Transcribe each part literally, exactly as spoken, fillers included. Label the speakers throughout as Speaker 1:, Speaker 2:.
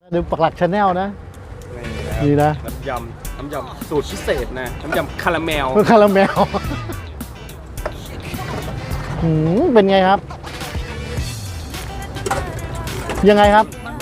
Speaker 1: ดูปักหลักชาแนลนะนี่นะ
Speaker 2: น้ำยำน้ำยำสูตรพิเศษนะน้ำยำคาราเมล
Speaker 1: คาราเมลหืมเป็นไงครับยังไงครับ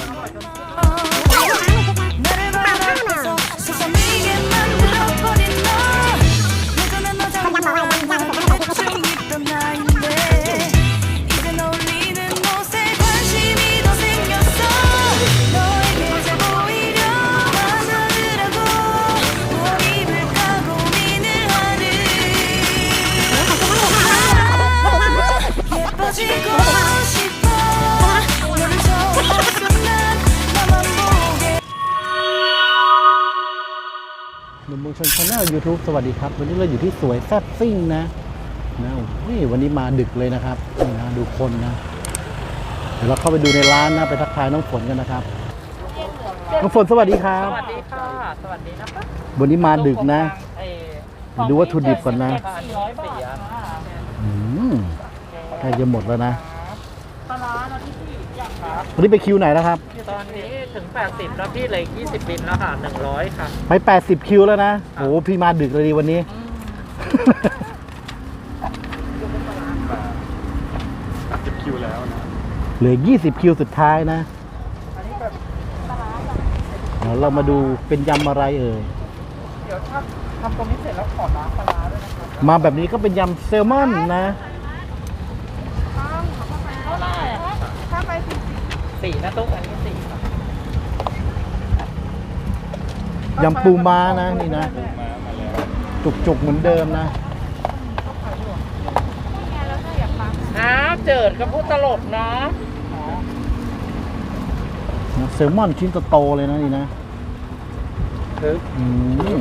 Speaker 1: หนุ่มเมืองชนชาแนล ยูทูบ สวัสดีครับวันนี้เราอยู่ที่สวยแซ่บซิ่งนะนะนี่วันนี้มาดึกเลยนะครับนี่นะดูคนนะเดี๋ยวเราเข้าไปดูในร้านนะไปทักทายน้องฝนกันนะครับน้องฝนสวัสดีครับ
Speaker 3: สวัสดีค่ะสวัสดีนะคะ
Speaker 1: วันนี้มาดึกนะดูวัตถุดิบก่อนนะอืมใกล้จะหมดแล้วนะ
Speaker 3: ปลาร้านะพี่อยากครับ
Speaker 1: วันนี้ไปคิวไหนแล้วครับ
Speaker 3: ตอนนี้ถึงแปดสิบแล้วพี่เหลือยี่สิบบินแล้วค่ะหนึ่งร้อยค่ะ
Speaker 1: ไปแปดสิบคิวแล้วนะโอ้พี่มาดึกเลยดีวันนี้
Speaker 2: แปดสิบคิวแล้วนะ
Speaker 1: เหลือยี่สิบคิวสุดท้ายนะเดี๋ยวเรามาดูเป็นยำอะไรเอ่ย
Speaker 3: เดี๋ยวถ้าทำตรงนี้เสร็จแล้วขอล้างปลาร้าด้วยนะครับ
Speaker 1: มาแบบนี้ก็เป็นยำแซลมอนนะ
Speaker 3: ถ้าไปสี่สี่นะตุ๊กอันนี้สี่
Speaker 1: ยำปูม้านะนี่นะจุกๆเหมือนเดิมนะ
Speaker 3: น้ำเจิดกับพูดตลกนะ
Speaker 1: แซลมอนชิ้นโตๆเลยนะนี่นะอืม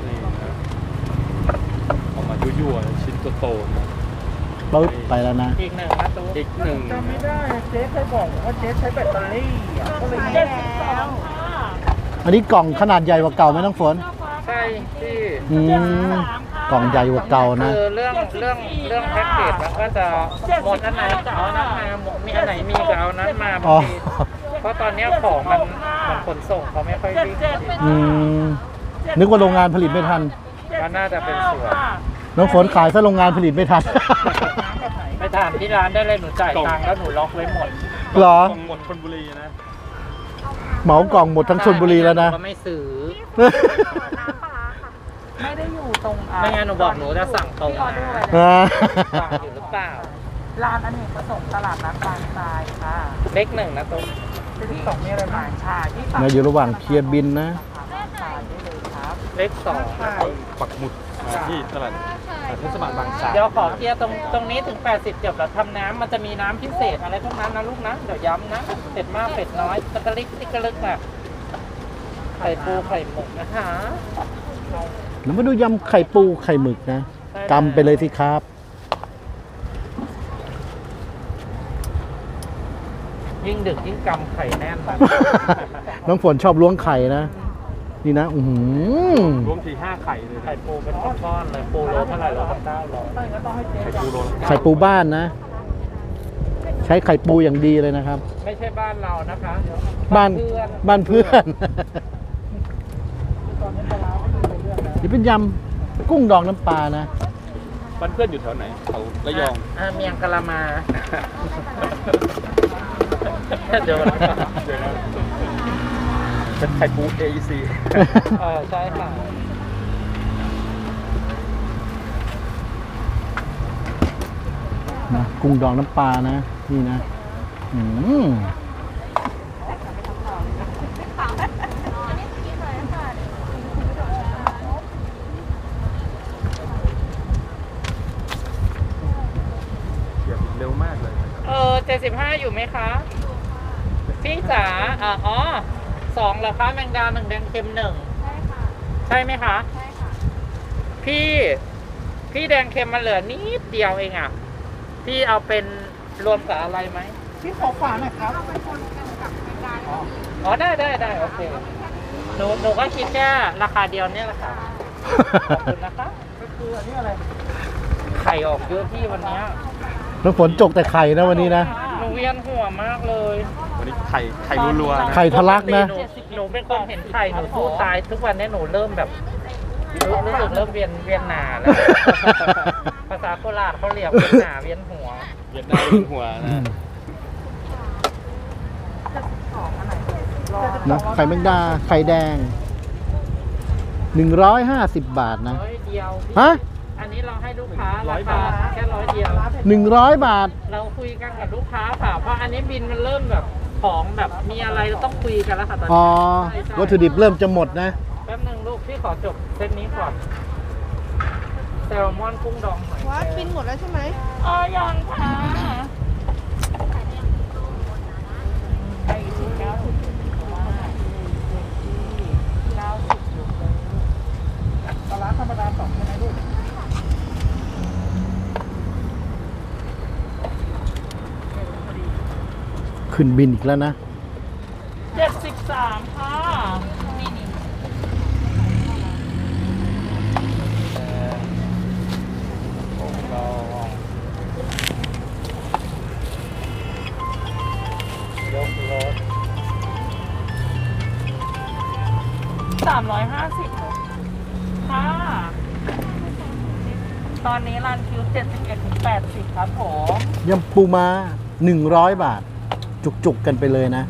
Speaker 2: ออกมายั่วๆชิ้นโตๆนะ
Speaker 1: ปึ๊บไปแล้วนะ
Speaker 3: อีกหนึ่งนะตุ๊ก
Speaker 2: อีกหนึ่ง
Speaker 3: จำไม่ได้เจ๊เคยบอกว่าเจ๊ใช้แบตเตอรี่ก็เลยเจ็ดสิบสอง
Speaker 1: อันนี้กล่องขนาดใหญ่กว่าเก่าไหมน้องฝน
Speaker 3: ใช่ที่
Speaker 1: กล่องใหญ่กว่าเก่านะ
Speaker 3: คือเรื่องเรื่องเรื่องแพ็กเกจมันก็จะหมดอันไหนจะเอานั้นมามีอันไหนมีก็เอานั้นมาบางทีเพราะตอนนี้ของมันมันขนส่งเขาไม่ค่อยวิ่ง
Speaker 1: อืมนึกว่าโรงงานผลิตไม่ทัน
Speaker 3: ก็น่าจะเป็นส่วน
Speaker 1: น้องฝนขายซะโรงงานผลิตไม่ทัน
Speaker 3: ไปถามที่ร้านได้เลยหนูจ่ายตังค์แล้วหนูล็อกไว้หมด
Speaker 1: หรอ
Speaker 2: หมดชลบุรีนะ
Speaker 1: เหมากล่องหมดทั้งชลบุรีแล้วนะ
Speaker 3: ก็ไม่ซื้อไม่ได้อยู่ตรงไม่งั้นหนูบอกหนูจะสั่งตรงมาสั่งอยู่หรือเปล่าร้านอเนกประสงค์ตลาดนัดบางทรายค่ะเล็กหนึ่งนะตรงที่สองมีอะไรบ้างชาที่
Speaker 1: เราอยู่ระหว่างเคลียร์บินนะ
Speaker 3: เล็กสอง
Speaker 2: ปักหมุดที่ตลาดเทศบาลบางทราย
Speaker 3: เดี๋ยวขอเคลียร์ตรงตรงนี้ถึงแปดสิบจบแล้วทำน้ำมันจะมีน้ำพิเศษอะไรพวกนั้นนะลูกนะเดี๋ยวย้ำนะเป็ดมากเป็ดน้อยตะกะลิกติ๊กกะลึกน่ะไข่ปูไข่หมึกนะคะ
Speaker 1: เรามาดูยำไข่ปูไข่หมึกนะกำไปเลยสิครับ
Speaker 3: ยิ่งดึกยิ่งกำไข่แน่นนะ
Speaker 1: น้องฝนชอบล้วงไข่นะนี่นะอือ
Speaker 2: รวมทีห้าไข่เลย
Speaker 3: ไข่ปูเป็นก้อนๆเลยปูโลเท่าไหร่ร้อยเก้าร้อย
Speaker 2: ไข่ปูโล
Speaker 1: ไข่ปูบ้านนะใช้ไข่ปูอย่างดีเลยนะครับ
Speaker 3: ไม่ใช่บ้านเรานะคะ
Speaker 1: บ้านบ้านเพื่อนนี่เป็นยำกุ้งดองน้ำปลานะ
Speaker 2: บ้านเพื่อนอยู่แถวไหนเขาระยอง
Speaker 3: อ่าเมียงกะละมาเดี๋ยว
Speaker 2: เป็นไข่ปู เอ อี ซี
Speaker 3: เออใช่ค่ะ
Speaker 1: นะกุ้งดองน้ำปลานะนี่นะอืม
Speaker 2: เร็วมากเลย
Speaker 3: เออเจ็ดสิบห้าอยู่ไหมคะพี่จ๋าอ๋อสองเหรอคะแมงดาหนึ่งแดงเค็มหนึ่งใช่ค่ะใช่ไหมคะใช่ค่ะพี่พี่แดงเค็มมันเหลือนิดเดียวเองอ่ะพี่เอาเป็นรวมกับอะไรไหมพี่ขอฝาหน่อยครับเอาเป็นคนกันกับแมงดาอ๋อได้ได้ได้โอเคหนูหนูก็คิดแค่ราคาเดียวเนี่ยแหละค่ะขอบคุณนะคะก็คืออันนี้อะไรไข่ออกเยอะพี่วันนี้
Speaker 1: น้ำฝนจกแต่ไข่นะวันนี้นะ
Speaker 3: หนูเวียวียนหัวมากเลย
Speaker 2: วันนี้ไข่ไข่รัวๆนะ
Speaker 1: ไข่ทะลักนะ
Speaker 3: หนูหนูเป็นคนเห็นไข่หนูสู้ตายทุกวันนี้หนูเริ่มแบบรู้รู้สึกเริ่มเวียนเวียนหนาแล้ว ภาษาโคราชเขาเรียกเวียนหนาเวียนหัว
Speaker 2: เวียดนามเป็นหัวนะ
Speaker 1: นะไข่แมงดา ไข่แดง หนึ่งร้อยห้าสิบบาทนะ
Speaker 3: ร้อยเดียว
Speaker 1: ฮะ
Speaker 3: อันนี้เราให้ลูกค้าราคาแค่ร้อยเดียว
Speaker 1: หนึ่งร้อยบาท
Speaker 3: เราคุยกันกับลูกค้าค่ะ เพราะอันนี้บินมันเริ่มแบบของแบบมีอะไรเราต้องคุยกันแล้วค่ะตอน
Speaker 1: อ๋อ
Speaker 3: นี้ใช่
Speaker 1: วัตถุดิบเริ่มจะหมดนะ
Speaker 3: แป๊บนึงลูกพี่ขอจบเซตนี้ก่อนแซลมอนกุ้งดองหอย
Speaker 4: ว่าบินหมดแล้วใช่ไหม
Speaker 3: อ๋อยังค่ะไปถึงเก้าสิบว่าเก้าสิบลูกเลยปลาร้าธรรมดาสองใช่ไหมลูก
Speaker 1: ขึ้นบินอีกแล้วนะ
Speaker 3: เจ็ดสิบสามค่ะนี่นี่ยกรถสามร้อยห้าสิบค่ะ ตอนนี้รันคิวเจ็ดสิบเอ็ดถึงแปดสิบครับผม
Speaker 1: ยำปูม้าหนึ่งร้อยบาท จุกๆกันไปเลยนะ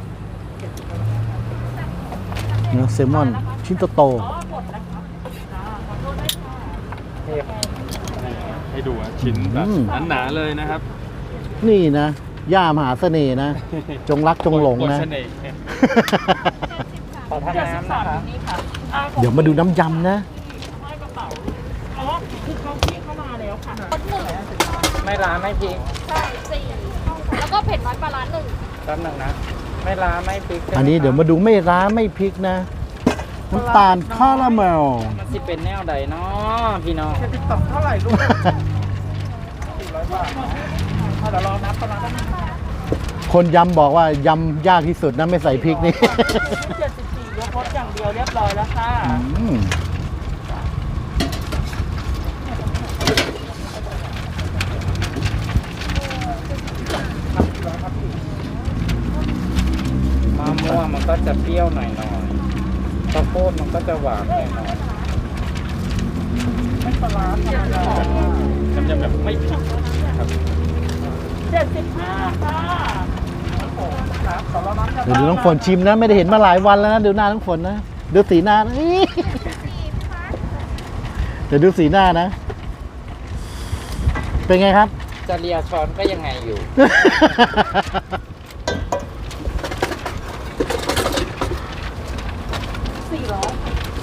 Speaker 1: เนื้อแซลมอน ชิ้นโต
Speaker 3: อ๋อหมดแล้วครับอ่าขอโทษด้วยค่ะ
Speaker 2: ให้ดูอ่ะชิ้นแบบหนาๆเลยนะครับ
Speaker 1: ๆ นี่นะ ย่ามหาเสน่ห์นะ จงรักจงหลงนะ
Speaker 2: กดเสน่ห์
Speaker 3: ขอทานน้ำนะคะนี่ค่ะอ่าผม
Speaker 1: เดี๋ยวมาดูน้ำยำนะ
Speaker 3: ให้กระเป๋าอ๋อคือเขาพี่เข้ามาแล้วค่ะไม่ร้านไม่พริก
Speaker 4: ใช่สี่แล้วก็เผ็ดน้อยปลาร้าหนึ่ง
Speaker 3: แป๊บหนึงนะ ไม่ร้านไม่พริกใช่ไหม
Speaker 1: อันนี้เดี๋ยวมาดูไม่ร้าไม่พริกนะ น้ำตาลคาราเมล
Speaker 3: มันสิเป็นแนวใดเนาะพี่น้องจะติดต่อเท่าไหร่ลูกสี่ร้อยบาทเดี๋ยวรอนับปลาร้าแป๊บนึงนะคะ
Speaker 1: คนยำบอกว่ายำยากที่สุดนะไม่ใส่พริกนี่
Speaker 3: เจ็ดสิบสี่ยกรถอย่างเดียวเรียบร้อยแล้วค่ะ
Speaker 1: อืม
Speaker 3: มะม่วงมันก็จะเปรี้ยวหน่อยหน่อยข้าวโพดมันก็จะหวานหน่อยหน่อยไม่ปลาร้าธรรมดา
Speaker 2: น้ำยำแบบไม่พริกนะครับ
Speaker 3: เจ็ดสิบห้าค่ะโอ้โหครับขอรอน้ำ
Speaker 1: เดี๋ยวดูน้องฝนชิมนะ ไม่ได้เห็นมาหลายวันแล้วนะดูหน้าน้องฝนนะดูสีหน้านะอี้เดี๋ยวดูสีหน้านะ เป็นไงครับ
Speaker 3: จะเลียช้อนก็ยังไงอยู่ สี่ร้อย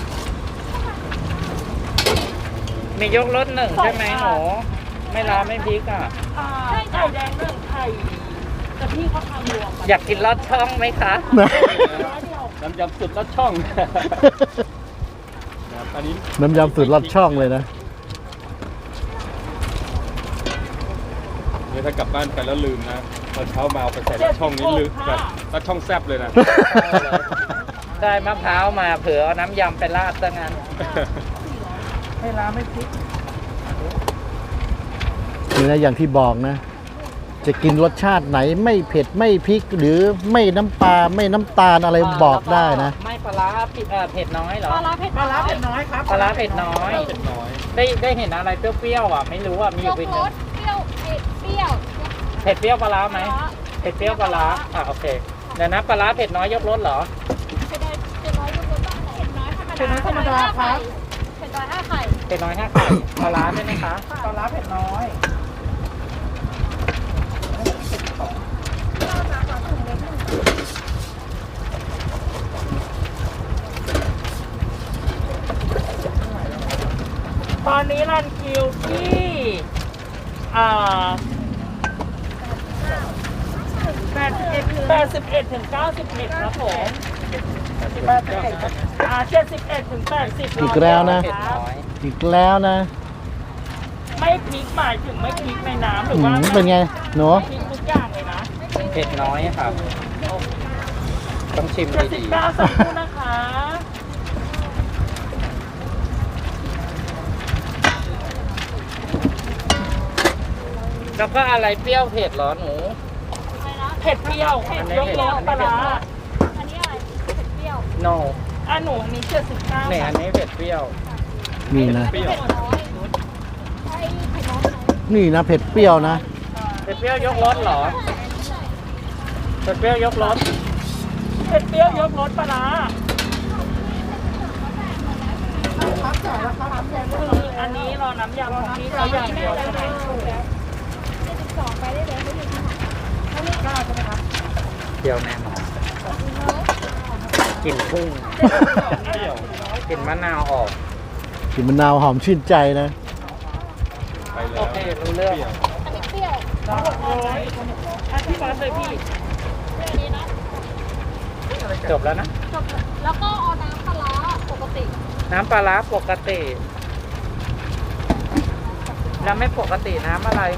Speaker 3: มียกรถหนึ่งใช่ไหมหนูไม่ร้านไม่พริกอ่ะ
Speaker 4: ใช่
Speaker 3: ไข่
Speaker 4: ค่ะ
Speaker 3: แดงหนึ่งไข่แต่พี่เขาทำรวมอยากกินลอดช่องไหมคะ
Speaker 1: นะ
Speaker 2: น้ำยำสุดลอดช่องนะครับอันนี้
Speaker 1: น้ำยำสูตรลอดช่องเลยนะ
Speaker 2: เนี่ยถ้ากลับบ้านไปแล้วลืมนะตอนเช้ามาเอาไปใส่ลอดช่องนี้ลืมแบบลอดช่องแซบเลยนะ
Speaker 3: ได้มะพร้าวมาเผื่อเอาน้ำยำไปราดซะงั้นไม่ร้านไม่พริก
Speaker 1: นี่นะอย่างที่บอกนะ จะกินรสชาติไหนไม่เผ็ดไม่พริก หรือไม่น้ำปลาไม่น้ำตาลอะไรบอกได้นะ
Speaker 3: ไม่ปลาร้าผิดเอ่อเผ็ดน้อยเหรอ
Speaker 4: ปลาร้าเผ็ด
Speaker 3: ปลาร้าเผ็ดน้อยครับปลาร้าเผ็ดน้อย
Speaker 2: เผ็ดน้อย
Speaker 3: ได้ได้เห็นอะไรเปรี้ยวๆอ่ะไม่รู้อ่ะมีอย ยู่
Speaker 4: ก
Speaker 3: เป็น
Speaker 4: รสเปรี้ยวเผ็ดเปรี้ยว
Speaker 3: เผ็ดเปรี้ยวปลาร้าไหม
Speaker 4: ปลาร้า
Speaker 3: เผ็ดเปรี้ยวปลาร้าอ่ะโอเคเดี๋ยวนะปลาร้าเผ็ดน้อยยกรสเหรอ
Speaker 4: เผ็ดน้อยเผ็ดน้อยยกรสบ้างเผ็ดน้อยธรรมดา
Speaker 3: เผ็ดน้อยธรรมดาครับ
Speaker 4: เผ็ดน้อยห้าไข่
Speaker 3: เผ็ดน้อยห้าไข่ปลาร้าใช่ไหมคะปลาร้าเผ็ดน้อยตอนนี้รันคิวที่อ่าแปดสิบเอ็ดแปดสิบเอ็ดถึงเก้าสิบเอ็ดครับผมแปดสิบเอ็ดอ่าเจ็ดสิบเอ็ดถึงแปดสิบ
Speaker 1: อีกแล้วนะ อีกแล้วนะ
Speaker 3: ไม่พริกหมายถึงไม่พริกในน้ำหรือ
Speaker 1: อื
Speaker 3: ว่าม
Speaker 1: เป็นไงหนู
Speaker 3: พริกทุกอย่างเลยนะเผ็ดน้อยครับ ต้องชิมดีๆเจ็ดสิบเก้าสักครู่นะคะ แล้วก็อะไรเปรี้ยวเผ็ดเหรอหนู
Speaker 4: ไข่
Speaker 3: เผ็ดเปรี้ยวยกรสปลาร้า
Speaker 4: อันนี้อะไรเผ็ดเปรี้ยว
Speaker 3: โน
Speaker 5: อ่ะหนูอันนี้เจ็ดสิบเก้า
Speaker 3: เนี่ยอันนี้เผ็ดเปรี้ยว
Speaker 1: นี่นะ
Speaker 2: เปรี้ยว
Speaker 4: เผ็ดน้อยใช่เผ็ดน้อยไหม
Speaker 1: นี่นะเผ็ดเปรี้ยวนะ
Speaker 3: เผ็ดเปรี้ยวยกรสเหรอเผ็ดเปรี้ยวยกรส
Speaker 5: เผ็ดเปรี้ยวยกรสปลาร้าคืออันนี้รอน้ำยำของพี่เขาอย่างเดียวใช่ไหม
Speaker 4: เจ็ดสิบสองไปได้เลยไม่อยู่ที่ไหน
Speaker 3: เปรี้ยวแน่นอนกลิ่นกุ้ง
Speaker 2: เปรี้ยว
Speaker 3: กลิ่นมะนาวออก
Speaker 1: กลิ่นมะนาวหอมชื่นใจนะ
Speaker 2: ไปแล้
Speaker 3: โอ
Speaker 2: ว
Speaker 3: เครู้เรื่อง
Speaker 4: อันนี้เปรี้ยว
Speaker 5: ร้อยหกร้อยอ่ะพี่ฟ้าเลยพี่
Speaker 4: เปรี้ยวนี้นะ
Speaker 3: จบแล้วนะ
Speaker 4: จบแล้วก็เอาน้ำปลาร้าปกติ
Speaker 3: น้ำปลาร้าปกติ แล้วไม่ปกติน้ำอะไร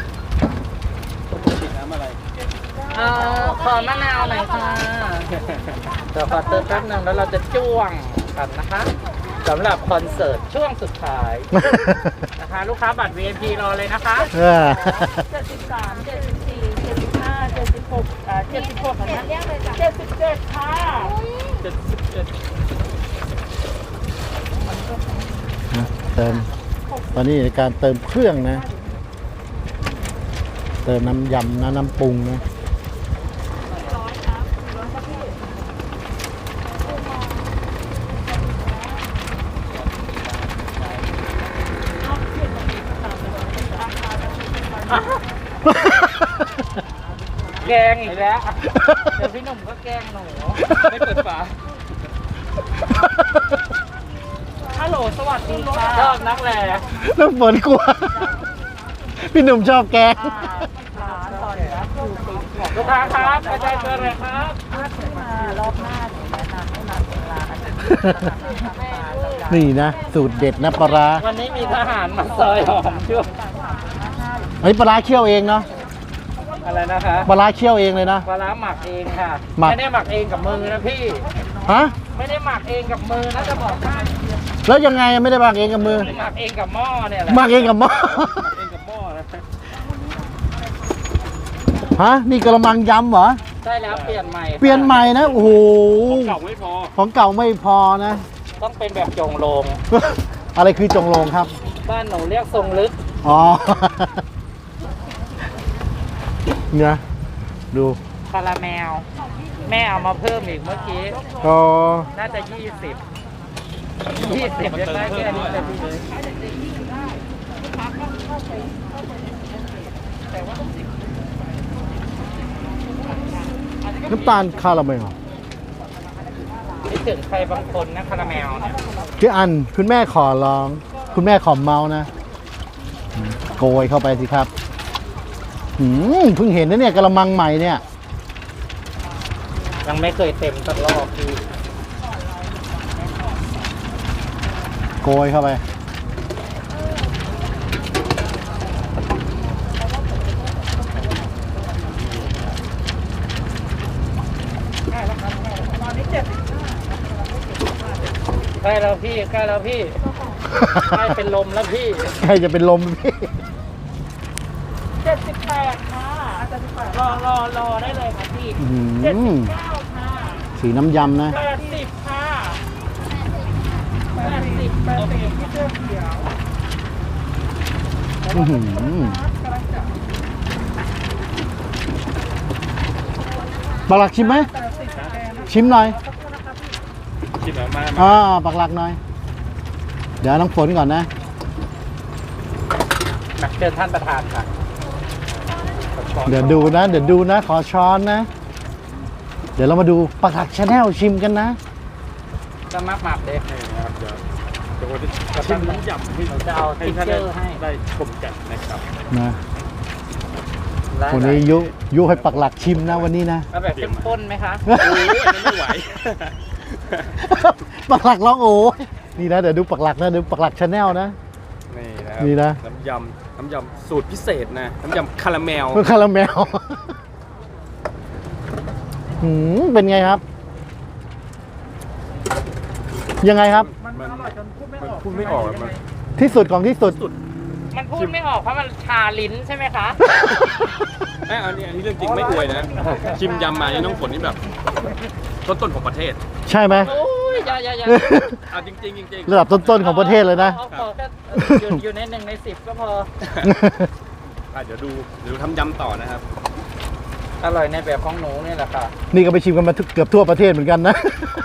Speaker 2: ติดน้ำอะไร
Speaker 3: เออขอมะนาวหน่อยค่ะเดี๋ยวขอเติมแป๊บนึงแล้วเราจะจ้วงกันนะคะสำหรับคอนเสิร์ตช่วงสุดท้ายนะคะ ลูกค้าบัตร วี ไอ พี รอเลยนะคะ
Speaker 1: เออ
Speaker 5: เจ็ดสิบสามเจ็ดสิบสี่เจ็ดสิบห้าเจ็ดสิบหกอ่าเจ็ดสิบหก
Speaker 4: เผ็
Speaker 5: นะ
Speaker 4: ดเรียกเลยจ้ะ
Speaker 5: เจ็ดสิบเจ็ดค่ะ
Speaker 2: เจ็ดสิบเจ็ด
Speaker 1: เติม ตอนนี้ในการเติมเครื่องนะ เติมน้ำยำนะน้ำปรุงนะ
Speaker 3: แกงอีกแล้ว เดี๋ยวพี่หนุ่มก็แกงหนู
Speaker 2: ไม่เปิดฝา
Speaker 5: ฮัลโหลสวัสดีค่ะ
Speaker 3: ชอบนักแหล่
Speaker 1: น้ำฝนกลัว พี่หนุ่มชอบแกง
Speaker 5: ร้านตอนนี้คือติดของ
Speaker 3: ลูกค้าครับกระจายเบอร์เลยครับ
Speaker 5: ถ้าขึ้นมารอบหน้าถึงแนะนำให้มาเป็นร้าน
Speaker 1: นี่นะ สูตรเด็ดนะปลาร้า
Speaker 3: วันนี้มีทหารมาซอยหอมช่วย
Speaker 1: อันนี้ปลาร้าเคี่ยวเองเนาะ
Speaker 3: อะไรนะคะ
Speaker 1: ปลาร้าเคี่ยวเองเลยนะ
Speaker 3: ปลาร้าหมักเองค่ะ
Speaker 1: หมัก
Speaker 3: ไม่ได้หมักเองกับมือนะพี่
Speaker 1: ฮะ
Speaker 3: ไม่ได้หมักเองกับมือนะจะบอกให้
Speaker 1: แล้วยังไงไม่ได้บางเองกับมือ
Speaker 3: หมักเองกับหม้อเนี่ยแหละ
Speaker 1: บางเองกับหม้อ
Speaker 2: เองกับหม้อนะ
Speaker 1: ฮะ นี่กระมังยำเหรอ
Speaker 3: ใช่แล้วเปลี่ยนใหม่ค่ะ
Speaker 1: เปลี่ยนใหม่นะ โอ้โห
Speaker 2: เก่าไม่พอ
Speaker 1: ของเก่าไม่พอนะ
Speaker 3: ต้องเป็นแบบจงโลง
Speaker 1: อะไรคือจงโลงครับ
Speaker 3: บ้านหนูเรียกทรงลึก
Speaker 1: อ๋อ เนี่ยดู
Speaker 3: คาราเมล แม่เอามาเพิ่มอีกเมื่อกี้
Speaker 1: อ๋อ
Speaker 3: น่าจะยี่สิบยี่สิบยังได้แค่นี้เลยพี่เลย
Speaker 1: น้ำตาลคาราเมล
Speaker 3: คิดถึงใครบางคนนะคาราเมลเนี่ย
Speaker 1: พี่อันคุณแม่ขอร้อง คุณแม่ขอเมานะอืมโกยเข้าไปสิครับหืมเพิ่งเห็นนะเนี่ยกระมังใหม่เนี่ย
Speaker 3: ยังไม่เคยเต็มสักรอบพี่
Speaker 1: โกยเข้าไป
Speaker 3: ใกล้แล้วพี่ใกล้แล้วพี่ใกล้เป็นลมแล้วพี่
Speaker 1: ใครจะเป็นลมพี่
Speaker 5: เจ็ดสิบแปดค่ะรอรอรอได้เลยค่ะพี่
Speaker 1: อื้อ
Speaker 5: เจ็ด
Speaker 1: หื
Speaker 5: สิ
Speaker 1: อบ
Speaker 5: เก้าค่ะ
Speaker 1: สีน้ำยำนะ
Speaker 5: แปดสิบค่ะแปดสิบแปดสิบที่เสื้อเขียว
Speaker 1: อื้อหือปักหลักชิมไหม ชิมหน่อย
Speaker 2: ชิมแล้วมา
Speaker 1: อ่าปักหลักหน่อย เดี๋ยวน้องฝนก่อนนะ
Speaker 3: แบบเชิญท่านประธานค่ะ
Speaker 1: เดี๋ยวดูนะ เดี๋ยวดูนะ ขอช้อนนะ เดี๋ยวเรามาดูปักหลักชาแนลชิมกันนะ
Speaker 3: จะมักหมักเลย
Speaker 2: นี่นะครับเดี๋ยวเดี๋ยวจะชิมน้ำยำให้
Speaker 3: เราจะเอา
Speaker 2: ให้
Speaker 3: ติ๊ก
Speaker 2: ท่าน
Speaker 3: เก
Speaker 2: ได้
Speaker 3: อร์ให้
Speaker 2: ได้ชมกันนะครับ
Speaker 1: นะ
Speaker 3: ได้
Speaker 1: คนนี้ยุยุให้ปักหลักชิมนะวันนี้นะ
Speaker 3: เอาแบบเข้มข้นไหมคะ
Speaker 2: โอ้ยอันนี้ไม่ไหว
Speaker 1: ปักหลักร้องโอ้ยนี่นะเดี๋ยวดูปักหลักนะเดี๋ยวปักหลักชาแนลนะ
Speaker 2: นี่นะครับ
Speaker 1: นี่นะ
Speaker 2: น้ำยำน้ำยำสูตรพิเศษนะ น้ำยำคาราเมล
Speaker 1: เพื่อคาราเมลหืมเป็นไงครับ ยังไงครับ
Speaker 2: มันมันพูดไม่ออกอะมัน
Speaker 1: ที่สุดของที่สุด
Speaker 2: สุด
Speaker 3: มันพูดไม่ออกเพราะมันชาลิ้นใช่ไหมคะ
Speaker 2: เอ้ยอันนี้อันนี้เรื่องจริงไม่อวยนะ ชิมยำมานี่น้องฝนนี่แบบต้นๆของประเทศ
Speaker 1: ใช่ไหม
Speaker 3: โอ้ยอย่าอย่าอย่า
Speaker 2: เอาจริงๆจริง
Speaker 1: ระดับต้นๆของประเทศเลยนะ
Speaker 3: อาอาขอแค่อยู่อยู่ในหนึ่งในสิบก็พอ
Speaker 2: ๆอ่ะเดี๋ยวดูเดี๋ยวทำยำต่อนะครับ
Speaker 3: อร่อยในแบบของหนูนี่แหละค่ะ
Speaker 1: นี่ก็ไปชิมกันมาทุกเกือบทั่วประเทศเหมือนกันนะ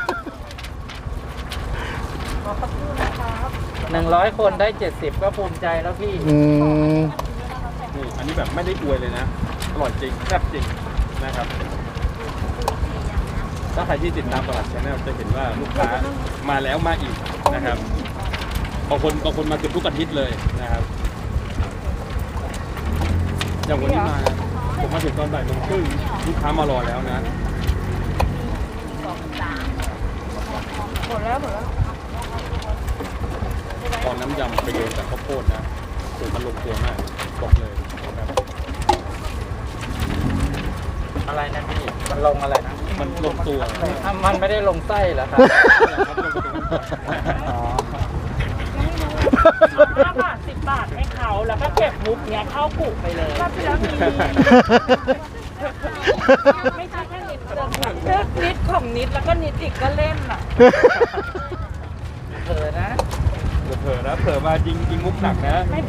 Speaker 3: หนึ่งร้อยคนได้เจ็ดสิบก็ภูมิใจแล้วพี่
Speaker 1: อืม
Speaker 2: นี่อันนี้แบบไม่ได้อวยเลยนะ อร่อยจริงแซ่บจริงนะครับ ถ้าใครที่ติดตามตลาดชาแนลจะเห็นว่าลูกค้ามาแล้วมาอีกนะครับ บางคนบางคนมาเกือบทุกอาทิตย์เลยนะครับ อย่างวันนี้มา ผมมาถึงตอนบ่ายโมงครึ่งลูกค้ามารอแล้วนะ
Speaker 5: หมดแล้วหมดแล้ว
Speaker 2: ตอนน้ำยำไปโยนกับข้าวโพดนะโอ้มันลงตัวมากบอกเลยนะครับ
Speaker 3: อะไรนะพี่ มันลงอะไรนะ
Speaker 2: มันลงตัว
Speaker 3: อ่ะมันไม่ได้ลงไส้เหรอครับ
Speaker 2: ครับลงตัว
Speaker 3: อ๋อ
Speaker 5: ห้าบาทสิบบาทให้เขาแล้วก็เก็บมุกเนี้ยเข้ากุไปเลยก็ที่แล้วมีไม่ใช่แค่นิดเดียวเลือกนิดของนิดแล้วก็นิดอีกก็เล่นอ่ะ
Speaker 3: เผลอนะ
Speaker 2: เผลอนะเผลอมายิงยิงมุกหนักนะ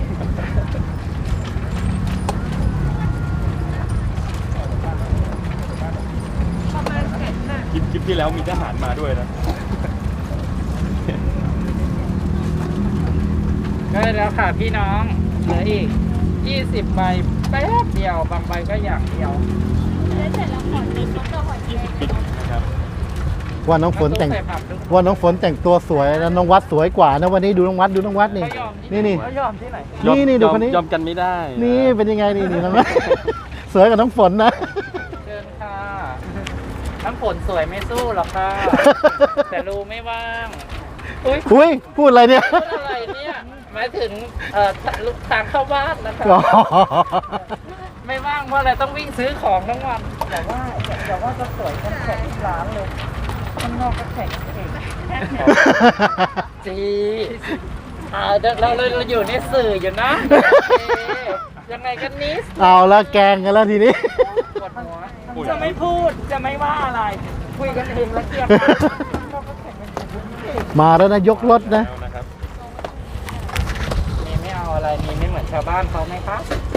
Speaker 5: ประมาณแสนน่ะ
Speaker 2: คลิปคลิปที่แล้วมีทหารมาด้วยนะ
Speaker 3: ได้แล้วค่ะพี่น้องเหลืออีกยี่สิบใบแป๊บเดียวบางใบก็อย่างเดียว
Speaker 4: แล้วเสร็จแล้วขอนิดแล้วก็หอยแครง
Speaker 2: ปิดนะครับ
Speaker 1: ว่าน้องฝนแต่ง
Speaker 3: ใส่ผักด้วย
Speaker 1: ว่าน้องฝนแต่งตัวสวยแล้วน้องวัดสวยกว่านะวันนี้ดูน้องวัดดูน้องวัดนี่ นี่นี่
Speaker 3: เขายอมที่ไหน
Speaker 1: นี่นี่ดูคนนี้
Speaker 2: ยอมกันไม่ได้
Speaker 1: นี่เป็นยังไงนี่นี่น้องวัด สวยกับน้องฝนนะ
Speaker 3: เชิญค่ะน้ำฝนสวยไม่สู้หรอกค่ะ แต่รูไม่ว่าง อุ้ย
Speaker 1: อุ้ยพูดอะไรเนี่ย
Speaker 3: พูดอะไรเนี่ยหมายถึงเอ่อทางเข้าบ้านนะคะ
Speaker 1: อ๋อ
Speaker 3: ไม่ว่างเพราะอะไรต้องวิ่งซื้อของทั้งวัน
Speaker 5: แต่ว่าแต่ว่าจะสวยกันแข่งที่ร้านเลยข้างนอกก็แข่งเอง
Speaker 3: จีอ่าเดี๋ยวเราเราเราอยู่ในสื่ออยู่นะโอเคยังไงกันนิส
Speaker 1: เอาละแกงกันแล้วทีนี้
Speaker 3: ปวดหัว
Speaker 5: จะไม่พูดจะไม่ว่าอะไร คุยกันเองแล้วเคลียร์กันข้างนอกก็แข่งกันเอง
Speaker 1: มาแล้วนะยกรถนะ
Speaker 2: แล้วนะครับ
Speaker 3: มีไม่เอาอะไรมีไม่เหมือนชาวบ้านเขาไหมคะ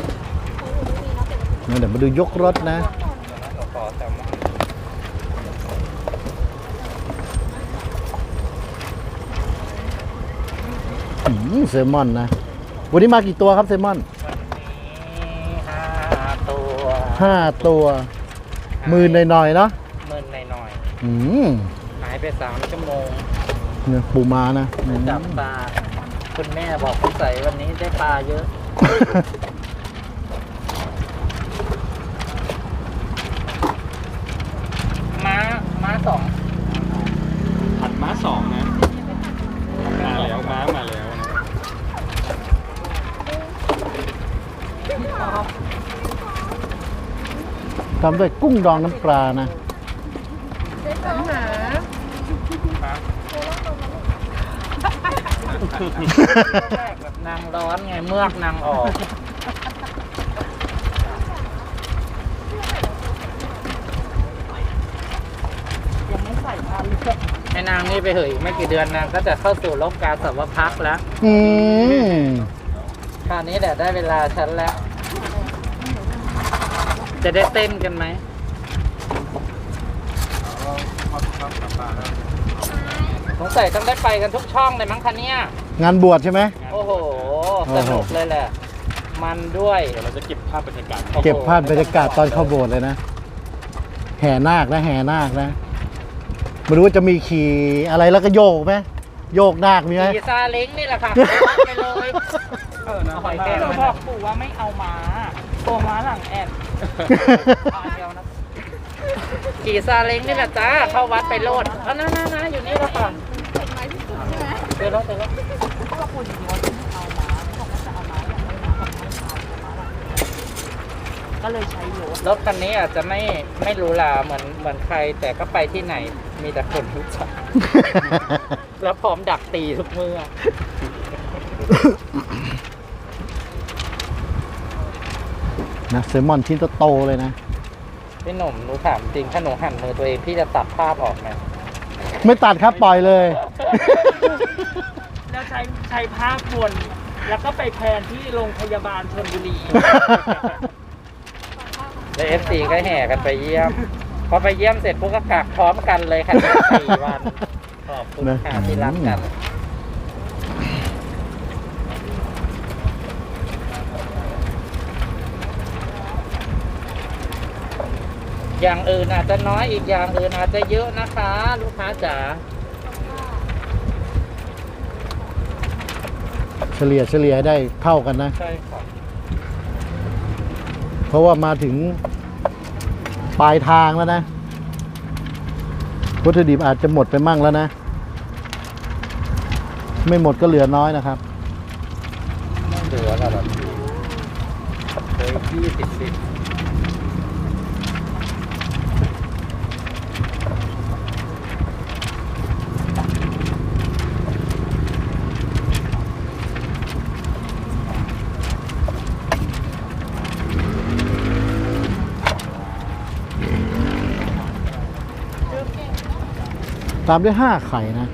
Speaker 1: เดี๋ยวมาดูยกรถนะ
Speaker 3: เราขอแซลมอน
Speaker 1: อืมเซลมอนนะ วันนี้มากี่ตัวครับเซลมอน
Speaker 3: วันนี้ห้าตัว
Speaker 1: ห้าตัวหมื่นหน่อยๆเนาะ
Speaker 3: หมื่นหน่อย
Speaker 1: อืม
Speaker 3: ๆหายไปสามชั่วโมง
Speaker 1: เนี่ยปูมานะอืม
Speaker 3: จับปลาคุณแม่บอกคุณใส่วันนี้ได้ปลาเยอะ ม้าม้าสอง
Speaker 2: ผัดม้าสองนะ มาแล้วม้ามาแล้วนะ
Speaker 1: ทำด้วยกุ้งดองน้ำปลานะ
Speaker 3: แบบนางร้อนไงเมือกนางออก
Speaker 5: ยังไม่ใส่พันเลย
Speaker 3: ไอ้นางนี่ไปเหยอีกไม่กี่เดือนนางก็จะเข้าสู่โลกกาสาวพักแล้ว
Speaker 1: อืม
Speaker 3: คราวนี้แหละได้เวลาฉันแล้ว จะได้เต้นกันไหมสงสัยต้องได้ไปกันทุกช่องเลยมั้งคะเนี่ย
Speaker 1: งานบวชใช่ไหม
Speaker 3: โอ้โห สนุกเลยแหละ มันด้วย
Speaker 2: เดี๋ยวเราจะเก็บภาพบรรยากาศ
Speaker 1: เก็บภาพบรรยากาศตอนเข้าโบสถ์เลยนะ แห่นาคนะแห่นาคนะไม่รู้ว่าจะมีขี่อะไรแล้วก็โยกไหมโยกนาคมีไหม
Speaker 3: ขี่ซาเล้งนี่แหละค่ะไปเลย
Speaker 2: เออนะ
Speaker 3: หอยแครง
Speaker 5: เราบอกปู่ว่าไม่เอาม้าตัวม้าหลังแอน
Speaker 3: เอาอันเดียวนะขี่ซาเล้งนี่แหละจ้า เข้าวัดไปโลดเอานะนะนะอยู่นี่แล้วค่ะเดี๋ยวแล้วเดี๋ยวแล้ว
Speaker 5: เพราะว่าปู่จริงๆว่าจะไม่เอาม้าเขาบอกว่าจะเอาม้าอย่างไม่เอาไม่เอาม้าหลังก็เลยใช้รถ
Speaker 3: รถคันนี้อาจจะไม่ไม่หรูหราเหมือนเหมือนใคร แต่ก็ไปที่ไหนมีแต่คนรู้จัก แล้วพร้อมดักตีทุกเมื่อ
Speaker 1: นะแซลมอนชิ้นโตๆเลยนะ
Speaker 3: พี่หนุ่มหนูถามจริงถ้าหนูหั่นมือตัวเองพี่จะตัดภาพออกไหม
Speaker 1: ไม่ตัดครับปล่อยเลย
Speaker 5: แล้วใช้ใช้ภาพบนแล้วก็ไปแพนที่โรงพยาบาลชลบุรี
Speaker 3: แล้วเอฟซีก็แห่กันไปเยี่ยม พอไปเยี่ยมเสร็จพวกก็กักพร้อมกันเลยค่ะสี่วันขอบคุณค่ะที่รักกัน อย่างอื่นอาจจะน้อยอีกอย่างอื่นอาจจะเยอะนะคะ ลูกค้าจ๋า
Speaker 1: เฉลี่ยเฉลี่ยให้ได้เท่ากันนะ
Speaker 3: ใช่ค่ะ
Speaker 1: เพราะว่ามาถึงปลายทางแล้วนะวัตถุดิบอาจจะหมดไปมั่งแล้วนะ ไม่หมดก็เหลือน้อยนะครับ
Speaker 3: ไม่เหลือแล้วแบบเลยยี่สิบสิบ
Speaker 1: ตามด้วยห้าไข่นะ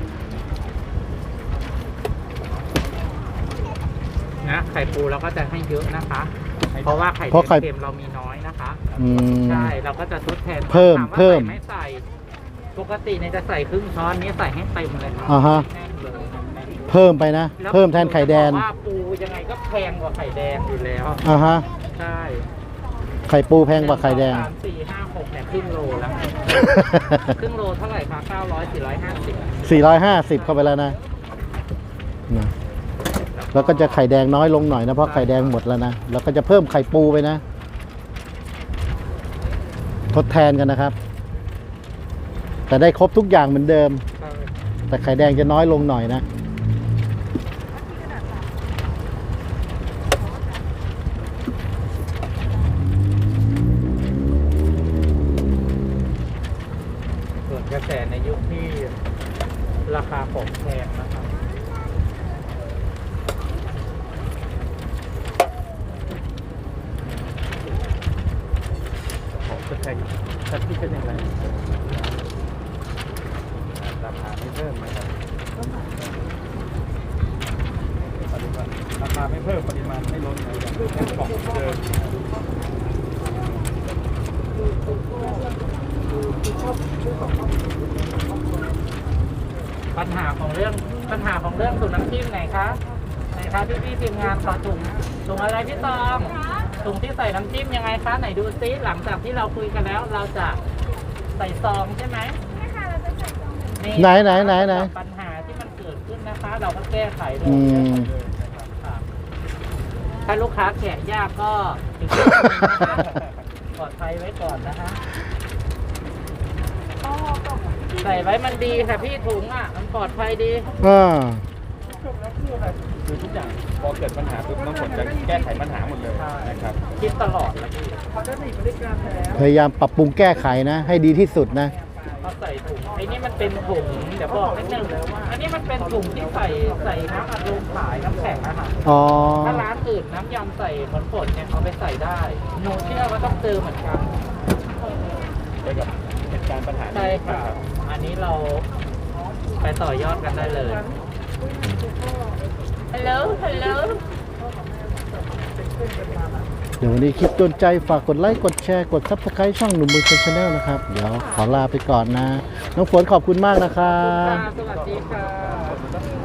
Speaker 3: นะไข่ปูเราก็จะให้เยอะนะคะ เพราะว่าไข่
Speaker 1: เพราะไข่
Speaker 3: เค็มเรามีน้อยนะคะ
Speaker 1: อืม
Speaker 3: ใช่เราก็จะทดแทน
Speaker 1: เพิ่ม
Speaker 3: ถาว่า
Speaker 1: เพิ่ม
Speaker 3: ใส่ไม่ใส่ ปกติเนี่ยจะใส่ครึ่งช้อนนี้ใส่ให้เต็มเลยครับ
Speaker 1: อ่าฮะ
Speaker 3: แน่นเลย
Speaker 1: เพิ่มไปนะ เพิ่มแทนไข่แดง
Speaker 3: ล้วว่าปูยังไงก็แพงกว่าไข่แดงอยู่แล้ว
Speaker 1: อ่าฮะ
Speaker 3: ใช่
Speaker 1: ไข่ปูแพงกว่าไข่แดง
Speaker 3: สามสี่ห้าหกเนี่ยครึ่งโลแล้ว ครึ่งโลเท่าไหร่คะเก้าร้อยสี่ร้อยห้าสิบ
Speaker 1: สี่ร้อยห้าสิบเข้าไปแล้วนะนะแล้วก็จะไข่แดงน้อยลงหน่อยนะเพราะไข่แดงหมดแล้วนะแล้วก็จะเพิ่มไข่ปูไปนะ ทดแทนกันนะครับ แต่ได้ครบทุกอย่างเหมือนเดิม แต่ไข่แดงจะน้อยลงหน่อยนะ
Speaker 3: ส่วนกระแสในยุคที่ราคาของแพงนะครับของจะแพงชัดที่เป็นยังไงราคาไม่เพิ่มนะครับราคาไม่เพิ่มปริมาณไม่ลดเลยยังเป็นของเดิม ปัญหาของเรื่องปัญหาของเรื่องถุงน้ำจิ้มไหนคะไหนคะพี่พี่ๆทีมงานขอถุงถุงอะไรพี่ตองถุงที่ใส่น้ำจิ้มยังไงคะไหนดูซิหลังจากที่เราคุยกันแล้ว เราจะใส่ซองใช่ไหม
Speaker 4: ใช่ค่ะเราจะใส่ซองเป็น
Speaker 1: ไหนไหนไหนไหน
Speaker 3: ปัญหาที่มันเกิดขึ้นนะคะ เราก็แก้ไขเลย
Speaker 1: อืม
Speaker 3: ค่ะถ้าลูกค้าแกะยากก็อีกนิดนึงนะคะปลอดภัยไว้ก่อนนะคะ
Speaker 4: อ๋อกล่องที่
Speaker 3: ใส่ไว้มันดีค่ะพี่ถุงอ่ะมันปลอดภัยดี
Speaker 1: อ่า
Speaker 2: คือทุกอย่างพอเกิดปัญหาปุ๊บน้องฝนจะแก้ไขปัญหาหมดเลยนะครับ
Speaker 3: คิดตลอดแล้วพี่
Speaker 1: พยายามปรับปรุงแก้ไขนะ ให้ดีที่สุดนะ
Speaker 3: พอใส่ถุงไอ้นี่มันเป็นถุงเดี๋ยวบอกนิดนึงอันนี้มันเป็นถุงที่ใส่ใส่น้ำอัดลมขายน้ำแข็งนะคะ
Speaker 1: อ๋อ
Speaker 3: ถ้าร้านอื่นน้ำยำใส่เหมือนฝนเนี่ยเอาไปใส่ได้หนูเชื่อว่าต้องเจอเหมือนกัน
Speaker 2: ไปกับเหตุการณ์ปัญหานี้
Speaker 3: ใช่ค่ะอันนี้เราไปต่อยอดกันได้เลยฮัลโหลฮัลโหล
Speaker 1: เดี๋ยววันนี้คลิปโดนใจฝากกดไลค์ กดแชร์ กด ซับสไครต์ ช่องหนุ่มมือคนชาแนลนะครับ เดี๋ยวขอลาไปก่อนนะ น้องฝนขอบคุณมากนะครับ
Speaker 3: สวัสดีค่ะ